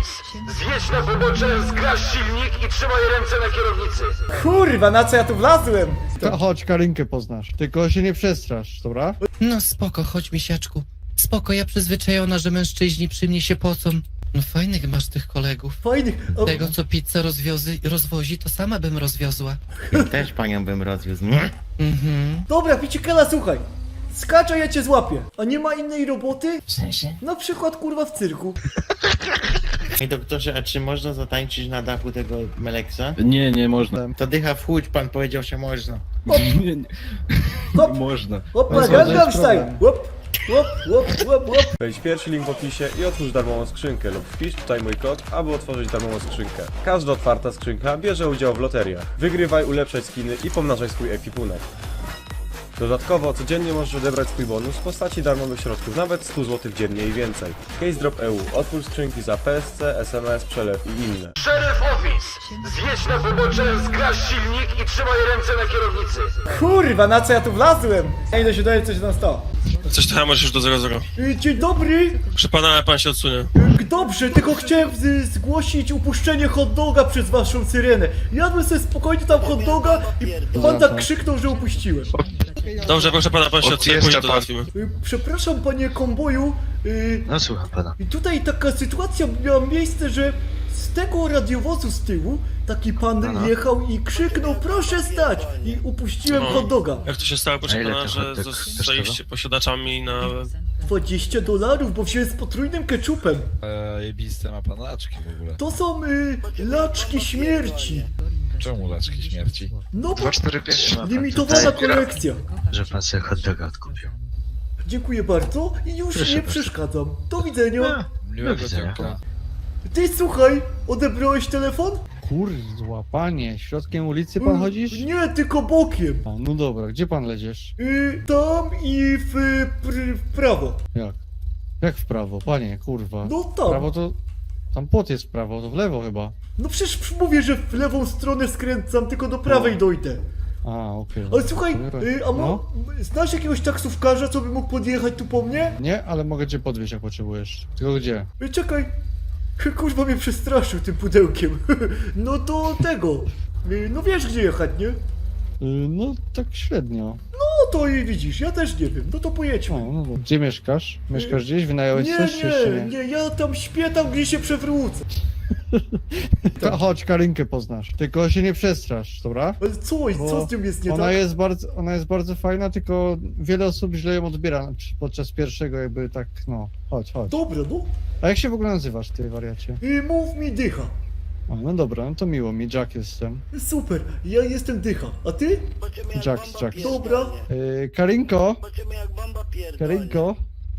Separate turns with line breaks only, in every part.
Zjedź na pobocze, zgaś silnik i trzymaj ręce na kierownicy.
Kurwa, na co ja tu wlazłem?
Chodź, Karinkę poznasz. Tylko się nie przestrasz, dobra?
No spoko, chodź misiaczku. Spoko, ja przyzwyczajona, że mężczyźni przy mnie się pocą. No fajnych masz tych kolegów.
Fajnych. O,
Tego, co pizza rozwozi, to sama bym rozwiozła.
Ja też panią bym rozwiózł.
Mhm.
dobra, Picikela, słuchaj. Skacz, a ja cię złapię. A nie ma innej roboty?
W sensie?
Na przykład, kurwa, w cyrku.
Ej doktorze, a czy można zatańczyć na dachu tego Meleksa?
Nie, nie można.
To dycha w chłódź, pan powiedział, że można.
Nie, nie.
Hop,
Można.
hop,
No co, to
Gangnam
jest
Style.
problem.
Łop, łop, łop, łop, łop.
Wejdź pierwszy link w opisie i otwórz darmową skrzynkę lub wpisz tutaj mój kod, aby otworzyć darmową skrzynkę. Każda otwarta skrzynka bierze udział w loteriach. Wygrywaj, ulepszaj skiny i pomnażaj swój ekwipunek. Dodatkowo codziennie możesz odebrać swój bonus w postaci darmowych środków, nawet 100 zł dziennie i więcej. Case Drop EU. Otwórz skrzynki za PSC, SMS, przelew i inne.
Sheriff Office. Zjedź na pobocze, zgaś silnik i trzymaj ręce na kierownicy.
Kurwa, na co ja tu wlazłem? Ja idę się dowiedzieć, co się tam stało.
Coś trochę masz już do 0-0.
Dzień dobry.
Proszę pana, ale pan się odsunie.
Dobrze, tylko chciałem zgłosić upuszczenie hot doga przez waszą syrenę. Jadłem sobie spokojnie tam hot doga i pan tak krzyknął, że upuściłem.
Dobrze, proszę pana, pan się odsunie, później to załatwimy.
Przepraszam, panie komboju.
No słucham pana.
I tutaj taka sytuacja miała miejsce, że z tego radiowozu z tyłu taki pan jechał i krzyknął, proszę stać! I upuściłem
No.
hot doga.
Jak to się stało, proszę
ile
pana,
ten
że
hot dog
zostaliście posiadaczami na...
$20, bo wziąłem z potrójnym ketchupem.
Jebiste ma pan laczki w ogóle.
To są laczki śmierci.
Czemu laczki śmierci?
No bo
245 ma pan
limitowana
tutaj,
kolekcja.
że pan sobie hot doga odkupił.
Dziękuję bardzo i już
Proszę
nie
bardzo.
przeszkadzam. Do widzenia.
Miłego
widzenia.
dnia.
Ty słuchaj, odebrałeś telefon?
Kurwa, panie, środkiem ulicy pan chodzisz?
Nie, tylko bokiem.
A, no dobra, gdzie pan leziesz?
Tam i w prawo.
Jak? Jak w prawo, panie, kurwa.
No
W
tam.
prawo to... Tam płot jest w prawo, to w lewo chyba.
No przecież mówię, że w lewą stronę skręcam, tylko do prawej dojdę.
A, okej.
Ale słuchaj,
No.
znasz jakiegoś taksówkarza, co by mógł podjechać tu po mnie?
Nie, ale mogę cię podwieźć jak potrzebujesz. Tylko gdzie?
Czekaj. Kurwa mnie przestraszył tym pudełkiem. No to tego. No wiesz gdzie jechać, nie?
No, tak średnio.
No to i widzisz, ja też nie wiem. No to pojedźmy.
O, no dobra. Gdzie mieszkasz? Mieszkasz gdzieś? Wynająłeś
Nie,
coś, czy jeszcze
nie, nie, ja tam śpię tam, gdzie się przewrócę.
Chodź, Karinkę poznasz. Tylko się nie przestrasz, dobra?
Ale co z tym jest nie
Ona
tak?
jest bardzo fajna, tylko wiele osób źle ją odbiera podczas pierwszego jakby tak, no. Chodź, chodź.
Dobra, no.
A jak się w ogóle nazywasz, ty wariacie?
Mów mi dycha.
A, no dobra, no to miło mi, Jack jestem.
Super, ja jestem dycha. A ty?
Jack.
Dobra.
Karinko? Karinko?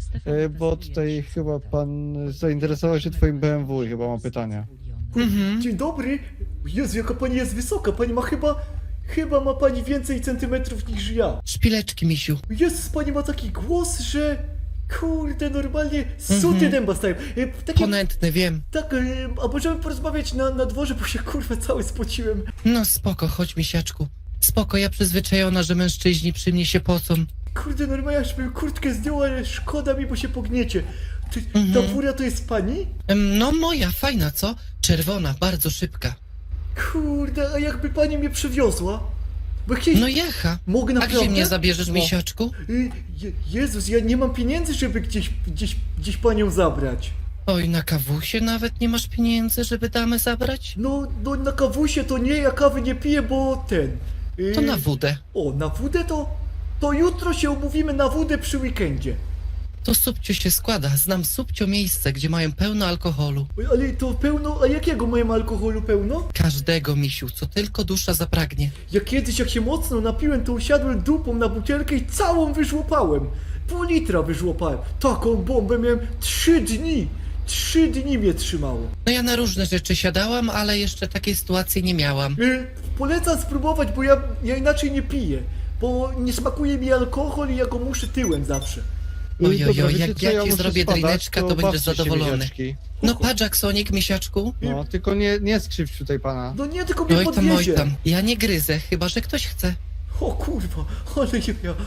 Bo tutaj chyba pan zainteresował się twoim BMW i chyba ma pytania.
Mhm.
Dzień dobry. Jezu, jaka pani jest wysoka. Pani ma chyba ma pani więcej centymetrów niż ja.
Szpileczki, misiu.
Jezus, pani ma taki głos, że... Kurde, normalnie suty dęba stają. Takie,
Ponętny, wiem.
tak, a możemy porozmawiać na dworze, bo się kurwa cały spociłem.
No spoko, chodź misiaczku. Spoko, ja przyzwyczajona, że mężczyźni przy mnie się pocą.
Kurde, normalnie aż bym kurtkę zdjął, ale szkoda mi, bo się pogniecie. Ta fura to jest pani?
No moja, fajna, co? Czerwona, bardzo szybka.
Kurde, a jakby pani mnie przywiozła? Bo kiedyś...
No jecha.
Mogę
A
naprawdę?
gdzie mnie zabierzesz,
No.
misiaczku?
Jezus, ja nie mam pieniędzy, żeby gdzieś panią zabrać.
Oj, na kawusie nawet nie masz pieniędzy, żeby damę zabrać?
No na kawusie to nie, ja kawy nie piję, bo ten...
To na wódę.
O, na wódę to jutro się umówimy na wódę przy weekendzie.
To subcio się składa. Znam subcio miejsce, gdzie mają pełno alkoholu.
Oj, ale to pełno, a jakiego mają alkoholu pełno?
Każdego, misiu, co tylko dusza zapragnie.
Ja kiedyś jak się mocno napiłem, to usiadłem dupą na butelkę i całą wyżłopałem. Pół litra wyżłopałem. Taką bombę miałem 3 dni. 3 dni mnie trzymało.
No ja na różne rzeczy siadałam, ale jeszcze takiej sytuacji nie miałam.
Polecam spróbować, bo ja inaczej nie piję. Bo nie smakuje mi alkohol i ja go muszę tyłem zawsze.
Ojojoj,
Dobra, wiecie
jak
co,
ja ci
muszę
zrobię
spadać,
drineczka, to
bawcie
będziesz
się,
zadowolony.
misiaczki.
No patrz, Jacksonik, misiaczku.
No, tylko nie skrzywdź tutaj pana.
No nie, tylko mnie
Oj tam,
podwiezie.
ja nie gryzę, chyba że ktoś chce.
O kurwa, ale ja...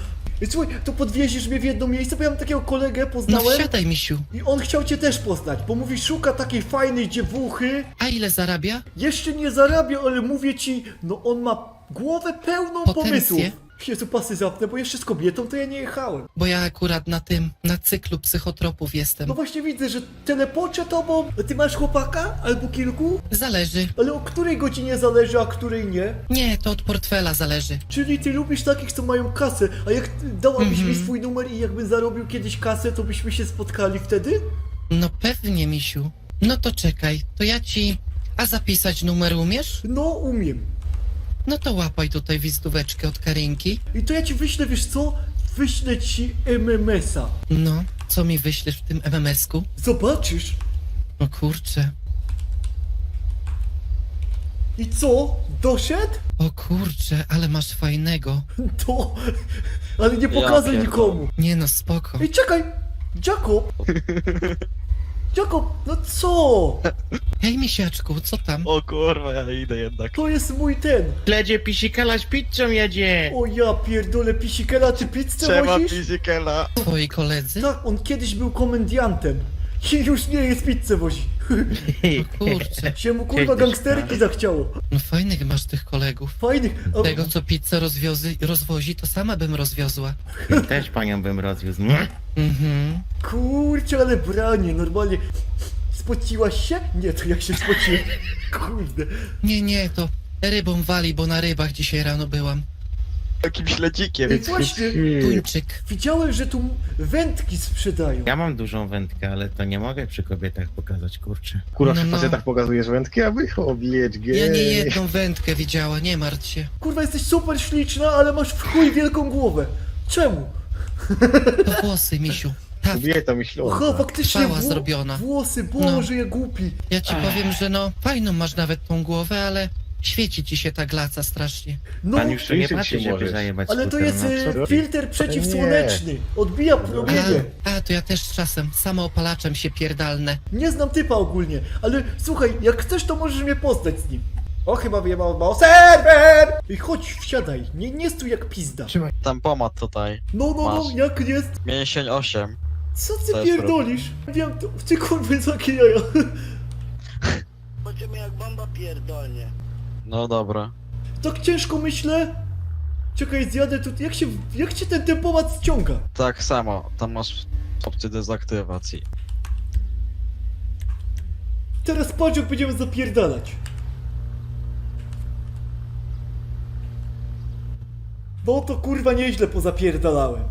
I słuchaj, to podwieziesz mnie w jedno miejsce, bo ja mam takiego kolegę,
No
poznałem.
wsiadaj, misiu.
I on chciał cię też poznać, bo mówi, szuka takiej fajnej dziewuchy.
A ile zarabia?
Jeszcze nie zarabia, ale mówię ci, no on ma głowę pełną
Potencję.
pomysłów. Jezu, pasy zapnę, bo jeszcze z kobietą to ja nie jechałem.
Bo ja akurat na cyklu psychotropów jestem.
No właśnie widzę, że telepoczę tobą. A ty masz chłopaka? Albo kilku?
Zależy.
Ale o której godzinie zależy, a której nie?
Nie, to od portfela zależy.
Czyli ty lubisz takich, co mają kasę. A jak dałabyś mi
Mhm.
swój numer i jakbym zarobił kiedyś kasę, to byśmy się spotkali wtedy?
No pewnie, misiu. No to czekaj, to ja ci... A zapisać numer umiesz?
No, umiem.
No to łapaj tutaj wizytóweczkę od Karinki.
I to ja ci wyślę, wiesz co? Wyślę ci MMS-a.
No, co mi wyślesz w tym MMS-ku?
Zobaczysz.
No kurczę.
I co? Doszedł?
O kurczę, ale masz fajnego.
To... Ale nie pokazuj nikomu.
Nie no, spoko.
Ej, czekaj! Jacob! Jacob, no co?
Hej, misiaczku, co tam?
O kurwa, ja idę jednak.
To jest mój ten.
Śledzie pisikala z pizzą jedzie.
O ja pierdolę, Pisikela, ty pizzę wozisz?
pisikela.
Twoi koledzy?
Tak, on kiedyś był komendiantem. I już nie jest, pizzę wozi.
O kurczę.
Się mu kurwa gangsterki zachciało.
No fajnych masz tych kolegów.
Fajnych. A,
Tego, co pizzę rozwozi, to sama bym rozwiozła.
Też panią bym rozwiózł.
Mhm.
kurczę, ale branie, normalnie. Spociłaś się? Nie, to jak się spociłem. Kurde.
Nie, to rybą wali, bo na rybach dzisiaj rano byłam.
Takim śledzikiem.
Ej, właśnie,
Tuńczyk.
widziałem, że tu wędki sprzedają.
Ja mam dużą wędkę, ale to nie mogę przy kobietach pokazać, kurczę.
Kurwa,
No,
przy
no.
facetach pokazujesz wędki, a wy oblieć
Ja nie jedną wędkę widziała, nie martw się.
Kurwa, jesteś super śliczna, ale masz w chuj wielką głowę. Czemu?
To włosy, misiu. Ta
Kobieta myśląca.
Aha, faktycznie
Chwała zrobiona.
Włosy, Boże, ja głupi.
Ja ci powiem, że no, fajną masz nawet tą głowę, ale świeci ci się ta glaca strasznie.
No,
Pan już tu nie
Liczyć
patrzy,
się
żeby
możesz.
zajebać
ale to
skuter,
jest
no, co ty?
filtr przeciwsłoneczny. Odbija promienie.
A, to ja też czasem samoopalaczem się pierdalnę.
Nie znam typa ogólnie, ale słuchaj, jak chcesz, to możesz mnie poznać z nim. O, chyba wyjebał o serwer! I chodź, wsiadaj, nie stój jak pizda.
Tam pomad tutaj.
No,
Masz.
jak jest?
Mięsień 8.
Co
To
ty
jest
pierdolisz? Wiem, to, ty kurwa, takie jaja.
Będziemy jak bomba pierdolnie.
No dobra.
Tak ciężko myślę. Czekaj, zjadę tu, jak się ten tempomat ściąga?
Tak samo, tam masz opcję dezaktywacji.
Teraz patrz, jak będziemy zapierdalać. No to kurwa nieźle pozapierdalałem.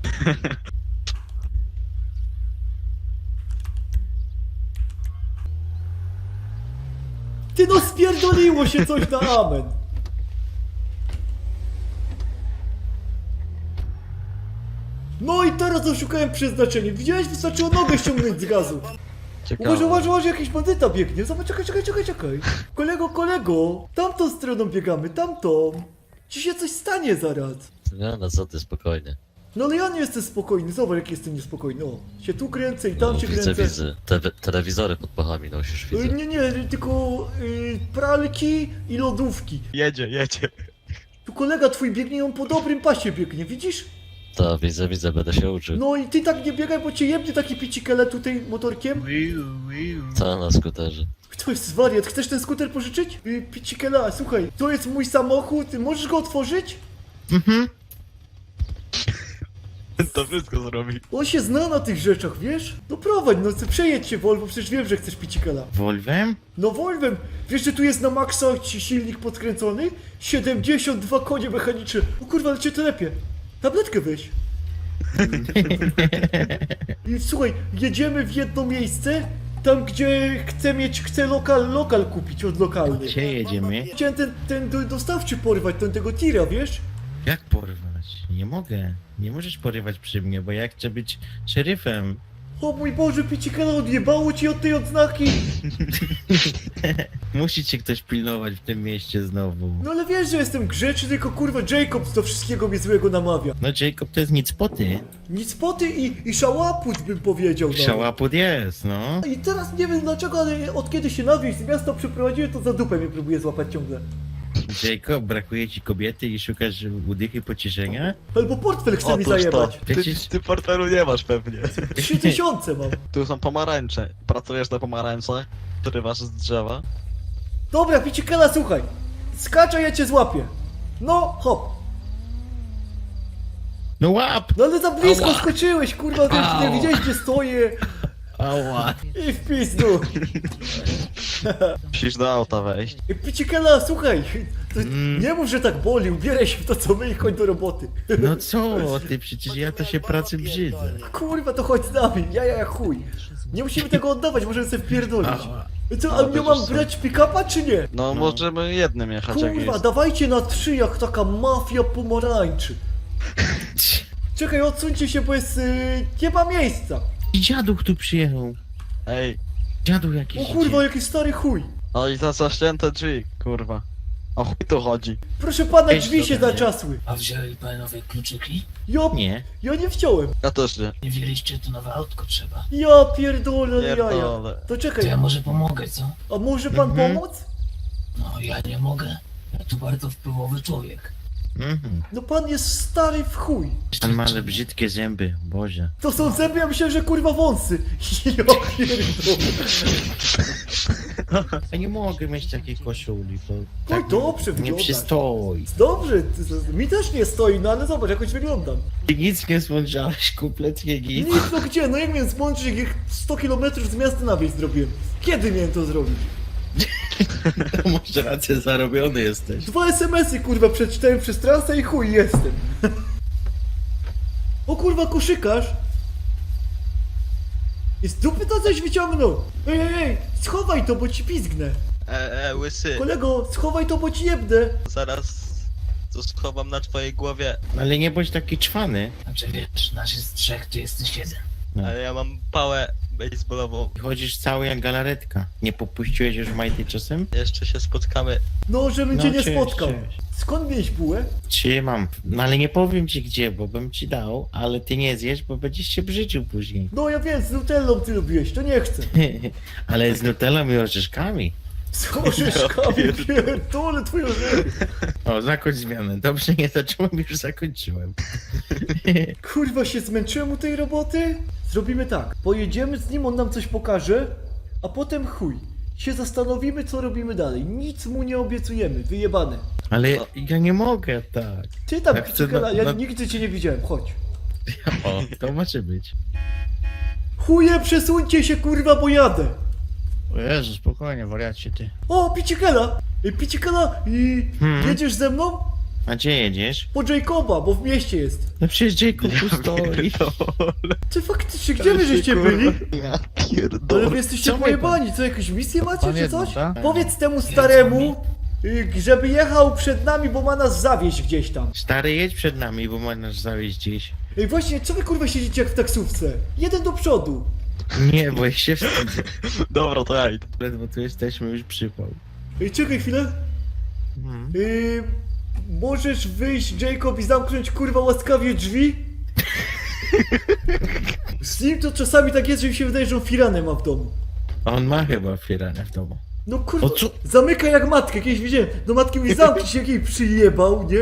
Ty no spierdoliło się coś na amen. No i teraz oszukałem przeznaczenie. Widziałeś? Wystarczyło nogę ściągnąć z gazu.
Ciekawe.
Uważaj, jakiś bandyta biegnie. Zobacz, czekaj. Kolego, tamtą stroną biegamy, tamtą. Ci się coś stanie zaraz.
No co ty, spokojnie.
No ale ja nie jestem spokojny, zobacz jak jestem niespokojny. O, się tu kręcę i tam się kręcę.
Telewizory pod pachami nosisz,
Nie, tylko pralki i lodówki.
Jedzie.
Tu kolega twój biegnie, on po dobrym pasie biegnie, widzisz?
To widzę, będę się uczył.
No i ty tak nie biegaj, bo cię jebnie taki picikele tutaj motorkiem.
Co na skuterze?
To jest wariat, chcesz ten skuter pożyczyć? Picikela, słuchaj, to jest mój samochód, możesz go otworzyć?
To wszystko zrobi.
On się zna na tych rzeczach, wiesz? No prowadź, no przejedź się Volvo, przecież wiem, że chcesz picikela.
Wolwem?
No Volvem, wiesz, że tu jest na maksa silnik podkręcony? 72 konie mechaniczne. O kurwa, ale cię telepie. Tabletkę weź. I słuchaj, jedziemy w jedno miejsce, tam gdzie chcę lokal kupić od lokalnych.
Gdzie jedziemy?
Chciałem ten dostawczy porwać, tego tira, wiesz?
Jak porwać? Nie mogę. Nie możesz porywać przy mnie, bo ja chcę być szeryfem.
O mój Boże, picikela, odjebało ci od tej odznaki.
Musi cię ktoś pilnować w tym mieście znowu.
No ale wiesz, że jestem grzeczny, tylko kurwa Jacobs do wszystkiego mnie złego namawia.
No Jacob to jest nic poty.
Nic poty i szałaput bym powiedział. No.
Szałaput jest, no.
I teraz nie wiem dlaczego, ale od kiedy się na wieś z miasta przeprowadziłem, to za dupę mnie próbuje złapać ciągle.
Jacob, brakuje ci kobiety i szukasz udychy pocieszenia?
Albo portfel chce mi
Otóż to.
zajebać.
Ty portfelu nie masz pewnie.
3000 mam.
Tu są pomarańcze. Pracujesz na pomarańcze? Wyrywasz z drzewa?
Dobra, Picikela, słuchaj. Skacz, a ja cię złapię. No, hop.
No łap!
No ale za blisko
Ała.
skoczyłeś, kurwa, ty nie widziałeś gdzie stoję.
Ała!
I w pizdu.
Musisz do auta wejść.
Picikela, słuchaj. To nie mów, że tak boli, ubieraj się w to co my i chodź do roboty.
No co ty, przecież ja to się pracy brzydzę.
Kurwa, to chodź z nami, ja jak chuj. Nie musimy tego oddawać, możemy sobie wpierdolić. Co, ale nie mam brać pick-upa czy nie?
No, możemy jednym jechać jak
Kurwa,
jest.
dawajcie na 3 jak taka mafia pomarańczy. Czekaj, odsuńcie się, bo jest... nie ma miejsca.
I dziaduch tu przyjechał.
Ej,
Dziadu jakiś
O
idzie.
kurwa, jaki stary chuj.
no i za zaścięte drzwi, kurwa. O chuj tu chodzi.
Proszę pana,
Ej,
drzwi się
dobra,
zaczasły.
A wzięli panowie kluczyki?
Nie.
Ja nie wziąłem.
Ja też nie.
Nie wzięliście, to nowe autko trzeba.
Ja pierdolę, ale jaja.
Pierdolę.
To
To
czekaj,
ja może pomogę, co?
a może pan pomóc?
No, ja nie mogę. Ja tu bardzo wpływowy człowiek.
Mhm.
No pan jest stary w chuj.
Pan ma ale brzydkie zęby, Boże.
To są zęby, ja myślałem, że kurwa wąsy. Ja pierdolę.
Ja nie mogę mieć takiej koszuli, bo
Oj, dobrze
nie
wyglądasz.
przystoi.
Dobrze, mi też nie stoi, no ale zobacz, jakoś wyglądam.
Ty nic nie smączałeś, kompletnie nic.
Nic, no gdzie, no jak miałem zmączyć, jak 100 km z miasta na wieś zrobiłem. Kiedy miałem to zrobić?
To masz rację, zarobiony jesteś.
2 SMS-y kurwa przeczytałem przez trasę i chuj jestem. O kurwa, koszykarz. I z dupy to coś wyciągnął. Ej, schowaj to, bo ci pizgnę.
Łysy,
Kolego, schowaj to, bo ci jebnę.
zaraz to schowam na twojej głowie,
Ale nie bądź taki czwany.
Znaczy wiesz, nas jest 3, ty jesteś 1.
ale ja mam pałę baseballową.
Chodzisz cały jak galaretka. Nie popuściłeś już majty czasem?
Jeszcze się spotkamy.
No, żebym cię nie
cześć,
spotkał.
cześć.
Skąd miałeś bułę?
Trzymam. No ale nie powiem ci gdzie, bo bym ci dał, ale ty nie zjesz, bo będziesz się brzydził później.
No ja wiem, z nutellą ty lubiłeś, to nie chcę.
Ale z nutellą i orzeszkami.
Z orzeszkami, pierdolę twoje orzechy.
O, zakończ zmianę. Dobrze nie zacząłem, już zakończyłem.
Kurwa, się zmęczyłem u tej roboty? Zrobimy tak, pojedziemy z nim, on nam coś pokaże, a potem chuj. Się zastanowimy, co robimy dalej. Nic mu nie obiecujemy, wyjebane.
Ale ja nie mogę tak.
Ty tam,
Ja chcę
Picikela, ja
na-
nigdy cię nie widziałem, chodź.
O, to może być.
Chuje, przesuńcie się, kurwa, bo jadę.
O Jezu, spokojnie, wariacie ty.
O, Picikela! Picikela, jedziesz ze mną?
A gdzie jedziesz?
Po Jacoba, bo w mieście jest.
No przecież Jacob tu stoi.
Ty faktycznie, gdzie wy żeście byli?
Ja
Ale
pierdolę.
wy jesteście
Co
pojebani, co, jakąś misję macie,
Pan
czy
jedno,
coś?
tak?
Powiedz temu staremu, żeby jechał przed nami, bo ma nas zawieźć gdzieś tam.
Stary, jedź przed nami, bo ma nas zawieźć gdzieś.
Ej, właśnie, co wy kurwa siedzicie jak w taksówce? Jeden do przodu.
Nie, bo ja się wstydzę.
Dobra, to ja idę.
Ledwo tu jesteśmy, już przypał.
Ej, czekaj chwilę.
Mhm.
Możesz wyjść, Jacob, i zamknąć kurwa łaskawie drzwi? Z nim to czasami tak jest, że mi się wydaje, że on firanę ma w domu.
A on ma chyba firanę w domu.
No kurwa,
O co?
zamyka jak matkę, kiedyś widziałem. Do matki mówi, zamknij się, jak jej przyjebał, nie?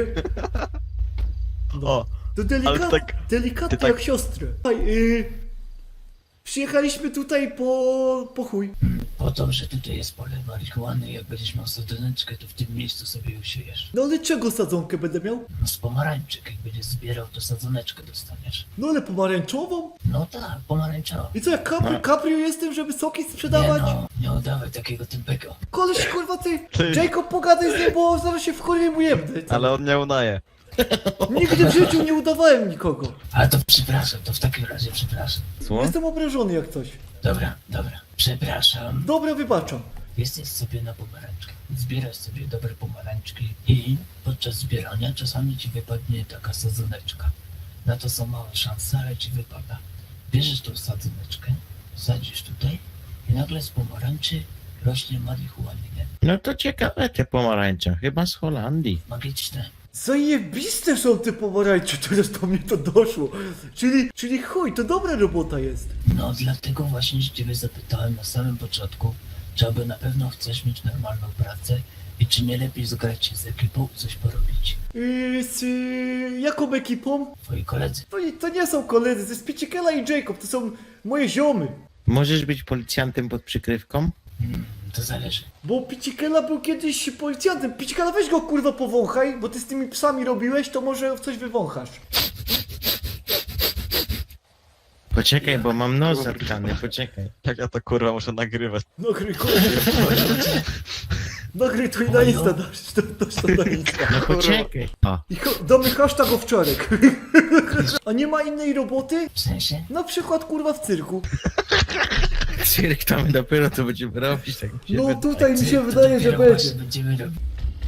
O,
To
ale tak-
delikatnie
ty tak-
jak siostrę. Przyjechaliśmy tutaj po chuj.
Po to, że tutaj jest pole marihuany, jak będziesz miał sadzoneczkę, to w tym miejscu sobie ją siejesz.
No ale czego sadzonkę będę miał?
No z pomarańczyk, jak będziesz zbierał, to sadzoneczkę dostaniesz.
No ale pomarańczową?
No tak, pomarańczowo.
I co, jak Caprio jestem, żeby soki
Nie
sprzedawać?
no, nie oddawaj takiego tempego.
Koleś, kurwa, ty,
Ty.
Jacob, pogadaj z nim, bo zaraz się w chory mu jebnę.
ale on nie udaje.
Nigdy w życiu nie udawałem nikogo.
Ale to przepraszam, to w takim razie przepraszam.
Co?
Jestem obrażony jak coś.
Dobra, przepraszam.
Dobra, wybaczam.
Jesteś sobie na pomarańczkę. Zbierasz sobie dobre pomarańczki i podczas zbierania czasami ci wypadnie taka sadzoneczka. Na to są małe szanse, ale ci wypada. Bierzesz tą sadzoneczkę, sadzisz tutaj i nagle z pomarańczy rośnie marihuana.
No to ciekawe te pomarańcze, chyba z Holandii.
Magiczne.
Zajebiste są te pomarańcze, teraz do mnie to doszło. Czyli chuj, to dobra robota jest.
No dlatego właśnie się ciebie zapytałem na samym początku, czy aby na pewno chcesz mieć normalną pracę i czy nie lepiej zgrać się z ekipą i coś porobić.
Z jaką ekipą?
Twoi koledzy.
To nie są koledzy, to jest Pichikela i Jacob, to są moje ziomy.
Możesz być policjantem pod przykrywką?
To zależy.
Bo Pichikela był kiedyś policjantem. Pichikela, weź go kurwa powąchaj, bo ty z tymi psami robiłeś, to może w coś wywąchasz.
Poczekaj, bo mam nos zatkany, poczekaj.
Jak ja to kurwa muszę nagrywać.
Nagryj kurwa. Nagryj to i na Insta dasz, to na Insta.
No poczekaj. O,
I damy hashtag owczarek. A nie ma innej roboty?
W sensie?
Na przykład kurwa w cyrku.
cyrk tam dopiero to będziemy robić, tak mi się
No
wydaje.
tutaj mi się
To
wydaje, że
dopiero właśnie
będzie.
będziemy robić.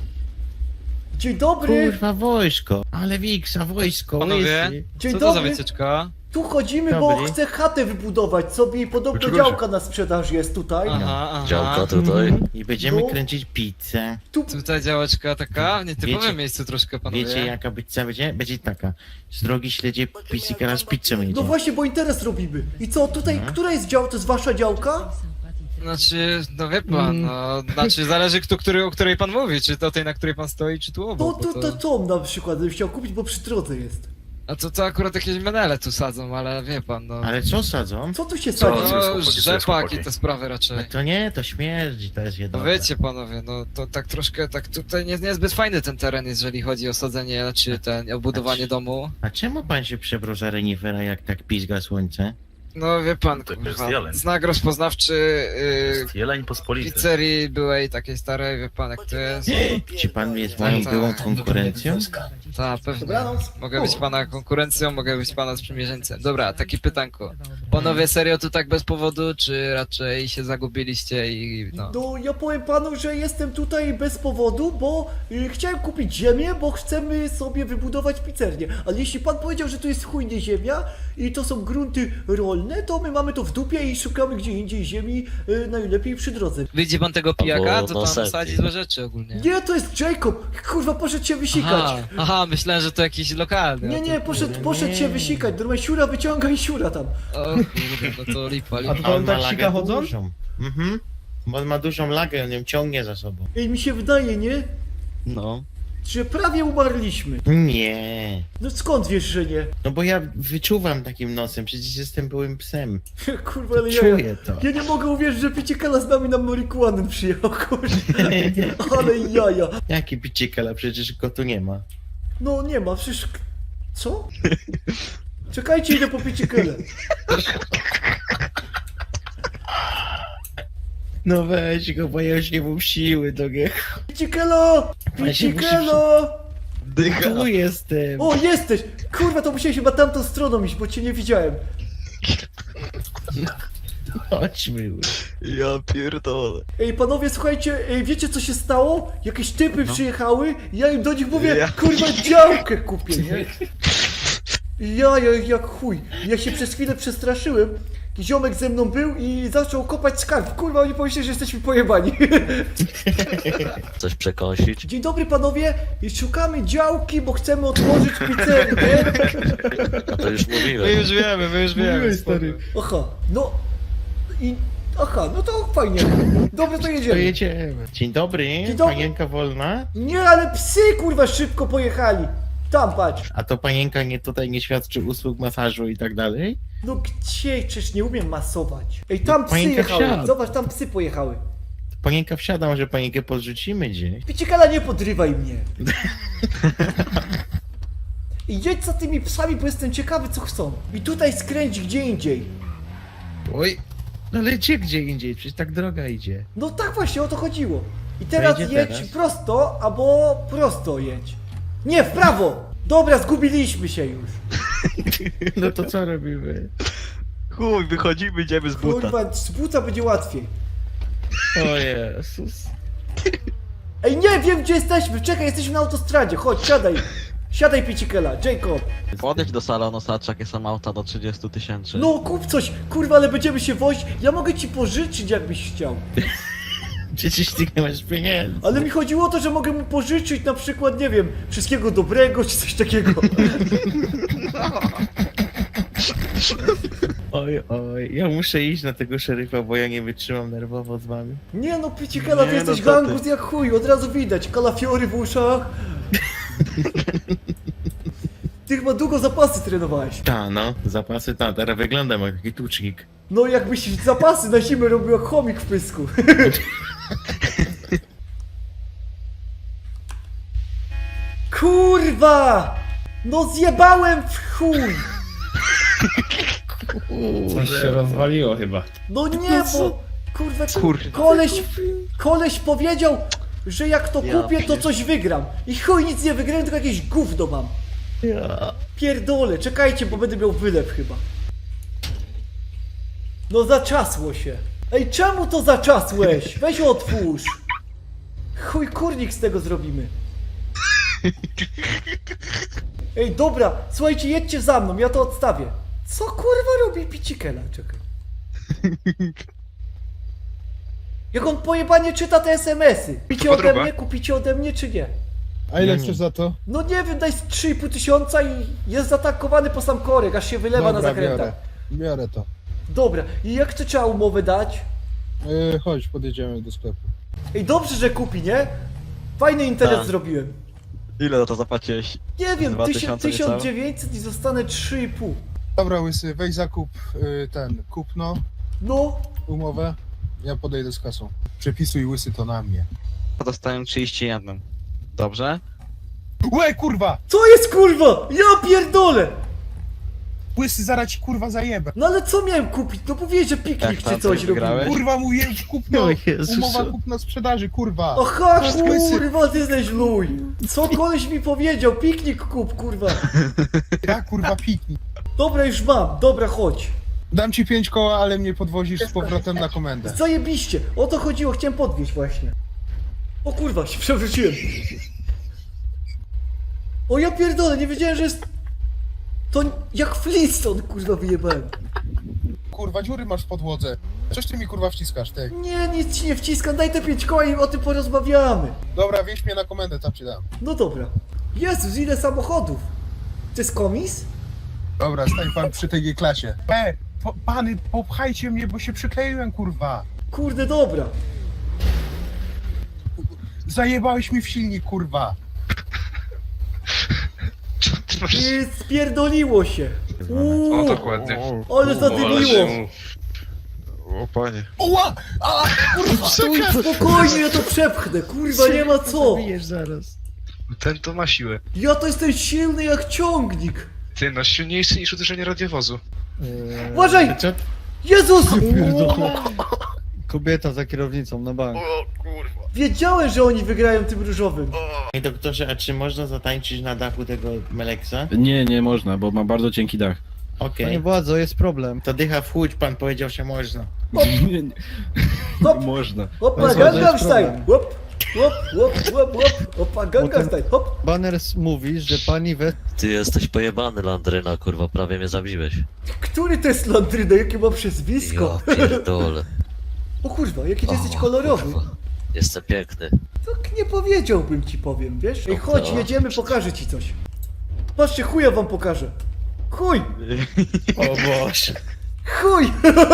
Dzień dobry.
Kurwa, wojsko. Ale Wiksa, wojsko,
Panowie?
łysy.
Dzień
Co to za
dobry.
wycieczka?
Tu chodzimy, bo
Dobry.
chcę chatę wybudować sobie i podobno
Dlaczego
działka na sprzedaż jest tutaj.
Aha,
Działka
aha.
tutaj.
I będziemy
No.
kręcić pizzę.
Tutaj działeczka taka, w nietypowym
Wiecie-
miejscu troszkę, panowie.
Wiecie jaka pizza będzie? Będzie taka. Z drogi śledzie Pisikara z pizzą jedzie.
No właśnie, bo interes robimy. I co, tutaj, która jest dział, to jest wasza działka?
Znaczy, no wie pan, no, znaczy zależy o której pan mówi, czy to tej, na której pan stoi, czy tu
To,
obok, bo
to Tom na przykład bym chciał kupić, bo przy drodze jest.
A to akurat jakieś menele tu sadzą, ale wie pan, no.
Ale co sadzą?
Co tu się
No,
sadzi?
rzepak i te sprawy
No
raczej.
to nie, to śmierdzi, to jest
No
jedno.
wiecie panowie, no to tak troszkę, tak tutaj niezbyt fajny ten teren, jeżeli chodzi o sadzenie, czy ten, o budowanie domu.
A czemu pan się przebrał za renifera, jak tak pizga słońce?
No wie pan, kurwa, znak rozpoznawczy
Jeleń pospolity.
pizzerii byłej takiej starej, wie pan jak to jest.
Czy pan jest moją
tak.
byłą konkurencją?
Tak, pewnie.
Dobranoc.
Mogę być pana konkurencją, mogę być pana sprzymierzeńcem. Dobra, takie pytanko. Panowie serio tu tak bez powodu, czy raczej się zagubiliście i no...
No ja powiem panu, że jestem tutaj bez powodu, bo chciałem kupić ziemię, bo chcemy sobie wybudować pizzernię. Ale jeśli pan powiedział, że to jest chujnie ziemia i to są grunty rolne, to my mamy to w dupie i szukamy gdzie indziej ziemi, najlepiej przy drodze.
Widzi pan tego pijaka?
Albo
To
na
tam
setki.
sadzi złe rzeczy ogólnie.
Nie, to jest Jacob! Kurwa, poszedł się wysikać.
Aha, myślałem, że to jakiś lokalny.
Nie, poszedł się wysikać. Normalnie siura wyciąga i siura tam.
O kurde, no to lipa,
A
lipa.
to on
ma
tak
lagę
sika chodząc?
dużą. Mhm. Bo on ma dużą lagę, on ją ciągnie za sobą.
I mi się wydaje, nie?
No.
Że prawie umarliśmy.
Nie.
No skąd wiesz, że nie?
No bo ja wyczuwam takim nosem, przecież jestem byłym psem.
Kurwa, ale
Czuję to.
ja nie mogę uwierzyć, że Piciekala z nami na marihuanę przyjechał, kurwa. Ale jaja.
Jaki piciekala, przecież go tu nie ma.
No nie ma, przecież... Co? Czekajcie, idę po Piciekelę.
No weź go, bo ja już nie mam siły do niego.
Piciekelo! Piciekelo!
Tu jestem.
O, jesteś! Kurwa, to musiałeś chyba tamtą stroną iść, bo cię nie widziałem.
Chodźmy już.
Ja pierdolę.
Ej, panowie, słuchajcie, wiecie co się stało? Jakieś typy przyjechały, ja im do nich mówię,
Ja
kurwa, działkę kupię, nie? Ja jak chuj. Ja się przez chwilę przestraszyłem. Ziomek ze mną był i zaczął kopać skarb. Kurwa, oni pomyśleli, że jesteśmy pojebani.
Coś przekąsić.
Dzień dobry panowie, szukamy działki, bo chcemy otworzyć pizzerię.
A to już
My
mówiłem.
już wiemy,
Mówiłeś, stary.
Aha, no i... Aha, no to fajnie. Dobrze, to
To
jedziemy.
jedziemy. Dzień dobry,
Dzień dobry.
panienka wolna?
Nie, ale psy kurwa szybko pojechali. Tam patrz.
A to panienka nie tutaj nie świadczy usług masażu i tak dalej?
No gdzie? Przecież nie umiem masować. Ej, tam psy
Panienka
jechały.
wsiadł.
Zobacz, tam psy pojechały.
Panienka wsiada, może panienkę podrzucimy gdzieś?
Piciekala, nie podrywaj mnie. I jedź za tymi psami, bo jestem ciekawy co chcą. I tutaj skręć gdzie indziej.
Oj, no lecie gdzie indziej, przecież tak droga idzie.
No tak właśnie o to chodziło. I teraz
jedzie
jedź
teraz?
prosto, albo prosto jedź. Nie, w prawo! Dobra, zgubiliśmy się już.
No to co robimy?
Chuj, wychodzimy, idziemy z buta.
Kurwa, z buta będzie łatwiej.
O Jezus.
Ej, nie wiem gdzie jesteśmy, czekaj, jesteśmy na autostradzie, chodź, siadaj. Siadaj, Piciekela, Jacob.
Podejdź do salonu, zobacz jakie są auta do 30 000.
No kup coś, kurwa, ale będziemy się wozić. Ja mogę ci pożyczyć jakbyś chciał.
Przecież ty nie masz pieniędzy.
Ale mi chodziło o to, że mogę mu pożyczyć na przykład, nie wiem, wszystkiego dobrego czy coś takiego.
Oj, ja muszę iść na tego szeryfa, bo ja nie wytrzymam nerwowo z wami.
Nie no, Picikela, ty
Nie,
jesteś
no co ty.
gangus jak chuj, od razu widać, kalafiory w uszach. Ty chyba długo zapasy trenowałeś.
Ta no, zapasy ta, teraz wyglądam jak taki tucznik.
No jakbyś zapasy na zimę robił jak chomik w pysku. Kurwa! No zjebałem w chuj!
Coś się
rozwaliło chyba.
No nie, bo kurwa, koleś powiedział, że jak to kupię, to coś wygram. I chuj, nic nie wygrałem, tylko jakieś gówno mam. Pierdolę, czekajcie, bo będę miał wylew chyba. No zaczasło się. Ej, czemu to zaczasłeś? Weź otwórz. Chuj, kurnik z tego zrobimy. Ej, dobra, słuchajcie, jedźcie za mną, ja to odstawię. Co kurwa robi Picikela? Czekaj. Jak on pojebanie czyta te SMS-y. Kupicie ode mnie czy nie?
A ile chcesz za to?
No nie wiem, daj z 3,5 tysiąca i jest zaatakowany po sam korek, aż się wylewa na zakrętach.
Biorę to.
Dobra, i jak to trzeba umowę dać?
Chodź, podjedziemy do sklepu.
Ej, dobrze, że kupi, nie? Fajny internet
Tak.
zrobiłem.
Ile za to zapłaciłeś?
Nie wiem,
2000 niecałe?
1900 i zostanę 3,5.
Dobra, Łysy, weź zakup kupno,
No,
umowę. Ja podejdę z kasą. Przepisuj Łysy to na mnie.
Dostałem 31. Dobrze?
Łe, kurwa!
co jest kurwa? Ja pierdolę!
Łysy, zaraz ci kurwa zajebę.
No ale co miałem kupić? No powiedz, że piknik
Jak
czy
tam,
coś
coś
robimy.
wygrałeś?
Kurwa, mówiłem kupno,
O Jezusu.
umowa kupna sprzedaży, kurwa.
Aha,
Łysy.
kurwa, ty jesteś luj. Co koleś mi powiedział? Piknik kup, kurwa.
Ja kurwa piknik.
Dobra, już mam, dobra, chodź.
Dam ci 5 koła, ale mnie podwozisz z powrotem na komendę.
Zajebiście, o to chodziło, chciałem podwieźć właśnie. O kurwa, się przewróciłem. O ja pierdolę, nie wiedziałem, że jest... To jak Flintstone, kurwa, wyjebałem.
Kurwa, dziury masz w podłodze. Coś ty mi kurwa wciskasz, ty.
Nie, nic ci nie wciskam, daj te 5 koła i o tym porozmawiamy.
Dobra, wieź mnie na komendę, tam ci dam.
No dobra. Jezus, ile samochodów. To jest komis?
Dobra, stań pan przy tej G-klasie. Pany, popchajcie mnie, bo się przykleiłem, kurwa.
Kurde, dobra.
Zajebałeś mi w silnik, kurwa.
I spierdoliło się.
O, dokładnie.
Ale zadymiło.
O panie.
Oła!
Stój, spokojnie, ja to przepchnę, kurwa, nie ma co.
Zabijesz zaraz.
Ten to ma siłę.
Ja to jestem silny jak ciągnik.
Ty, no silniejszy niż uderzenie radiowozu.
Uważaj!
Co?
Jezus!
Kobieta za kierownicą, na bank.
Wiedziałem, że oni wygrają tym różowym.
Ej doktorze, a czy można zatańczyć na dachu tego Meleksa?
Nie można, bo ma bardzo cienki dach.
Okej.
Panie władzo, jest problem.
To dycha w chłódź, pan powiedział, że można.
Hop,
Można.
hopa,
Bez wody
Gangnam
jest
Style.
problem.
Hop, hop, hop, hop, hop. Hopa, Gangnam
Potem-
Style, hop.
Banners mówi, że pani we...
Ty jesteś pojebany, Landryna, kurwa, prawie mnie zabiłeś.
Który to jest Landryna, jakie ma przezwisko?
Ja pierdolę.
O kurwa, jaki ty jesteś
O,
kolorowy.
kurwa. Jestem piękny.
Tak nie powiedziałbym ci, powiem, wiesz? Ej,
No
chodź,
to-
jedziemy, pokażę ci coś. Patrzcie, chuja wam pokażę. Chuj!
O Boże.
Chuj!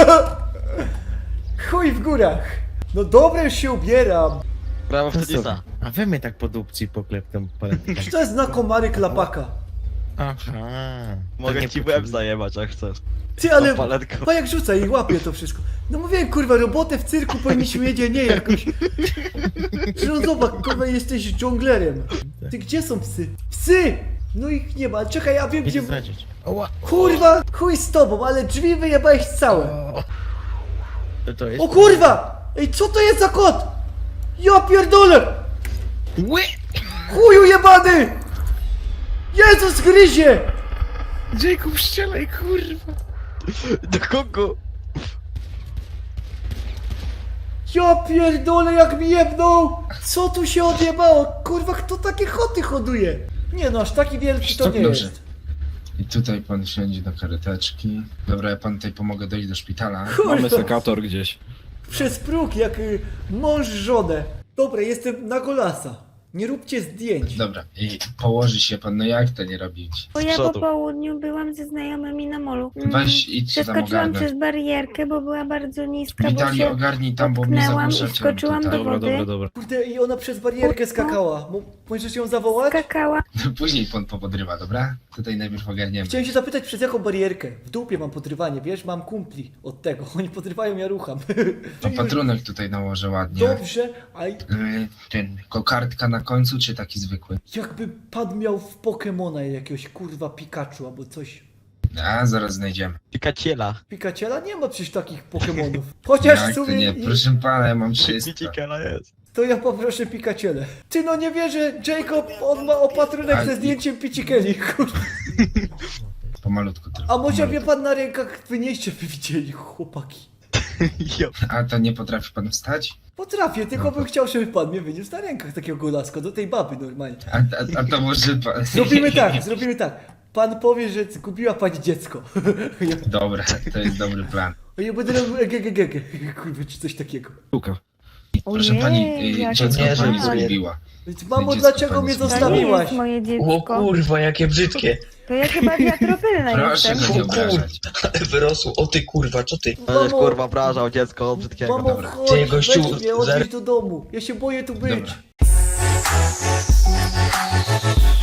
Chuj w górach. No dobra, już się ubieram.
Brawo w tenisa.
A wy mnie tak po dupci pokleptą paletką.
To jest na komary klapaka.
Aha.
Mogę ci łeb zajebać, jak chcesz.
Ty, ale...
Tą paletką.
Pa jak rzuca i łapie to wszystko. No mówiłem, kurwa, robotę w cyrku powinniśmy mieć, a nie jakoś... No zobacz, kurwa, jesteś dżunglerem. Ty, gdzie są psy? Psy! No ich nie ma, czekaj, ja wiem
Idę
gdzie...
zobaczyć.
Kurwa, chuj z tobą, ale drzwi wyjebałeś całe.
To jest...
O kurwa! Ej, co to jest za kot? Ja pierdolę! Chuju jebany! Jezus gryzie!
Jacob, strzelaj, kurwa.
Do kogo?
Ja pierdolę, jak mi jebnął! Co tu się odjebało? Kurwa, kto takie choty hoduje? Nie no, aż taki wielki to nie jest.
I tutaj pan siedzi do kareteczki. Dobra, ja pan tutaj pomogę dojść do szpitala.
Kurwa,
sekator gdzieś.
przez próg, jak mąż żonę. Dobra, jestem na golasa. Nie róbcie zdjęć.
Dobra, i położy się pan, no jak to nie robić?
Bo
Z
ja po
przodu.
południu byłam ze znajomymi na molu.
Weź idź tam
Przeskoczyłam
ogarnąć.
przez barierkę, bo była bardzo niska, bo
Witali,
się
ogarnij tam, bo mnie
potknęłam i
zagłuszacie
wskoczyłam
tutaj.
do wody.
dobra.
Kurde, i ona przez barierkę skakała. Możesz ją zawołać?
Skakała.
Później pan popodrywa, dobra? Tutaj najpierw ogarniemy.
Chciałem się zapytać, przez jaką barierkę? W dupie mam podrywanie, wiesz? Mam kumpli od tego. Oni podrywają, ja rucham.
Opatrunek tutaj nałożę ładnie.
Dobrze, a
Ten, kokardka na końcu, czy taki zwykły?
jakby pan miał w Pokemona jakiegoś kurwa Pikachu albo coś.
A, zaraz znajdziemy.
Pikaciela.
Pikaciela nie ma przecież takich Pokemonów. Chociaż w
Jak to
sumie
nie? Proszę pana, ja mam 300.
jest.
to ja poproszę Pikacielę. Ty no nie wierzę, Jacob, on ma opatrunek
Ale-
ze zdjęciem Picikeli, kurwa.
Pomalutku tylko.
A może mnie
pomalutku.
pan na rękach wynieście, by widzieli, chłopaki.
A to nie potrafi pan wstać?
Potrafię, tylko bym chciał, żeby pan mnie wyniósł na rękach takiego golaska, do tej baby normalnie.
A to może pan...
Zrobimy tak. Pan powie, że zgubiła pani dziecko.
Dobra, to jest dobry plan.
Ja będę robił egegegege, kurwa, czy coś takiego.
Proszę
Ojej,
pani,
jak
dziecko
nie,
pani
że-
zgubiła.
Więc mamo,
Dziecko
dlaczego
pani
mnie
zgubiła.
To nie
zostawiłaś?
jest moje
O
dziecko.
kurwa, jakie brzydkie.
To ja chyba wiatropylna
Proszę
jestem.
go nie obrażać.
Wyrosło, o ty kurwa, co ty?
Będziesz kurwa obrażał dziecko brzydkiego.
Mamo,
dobra.
chodź,
Ty, gościu,
weź mnie, odwiedź do domu. Ja się boję tu być.
Dobra.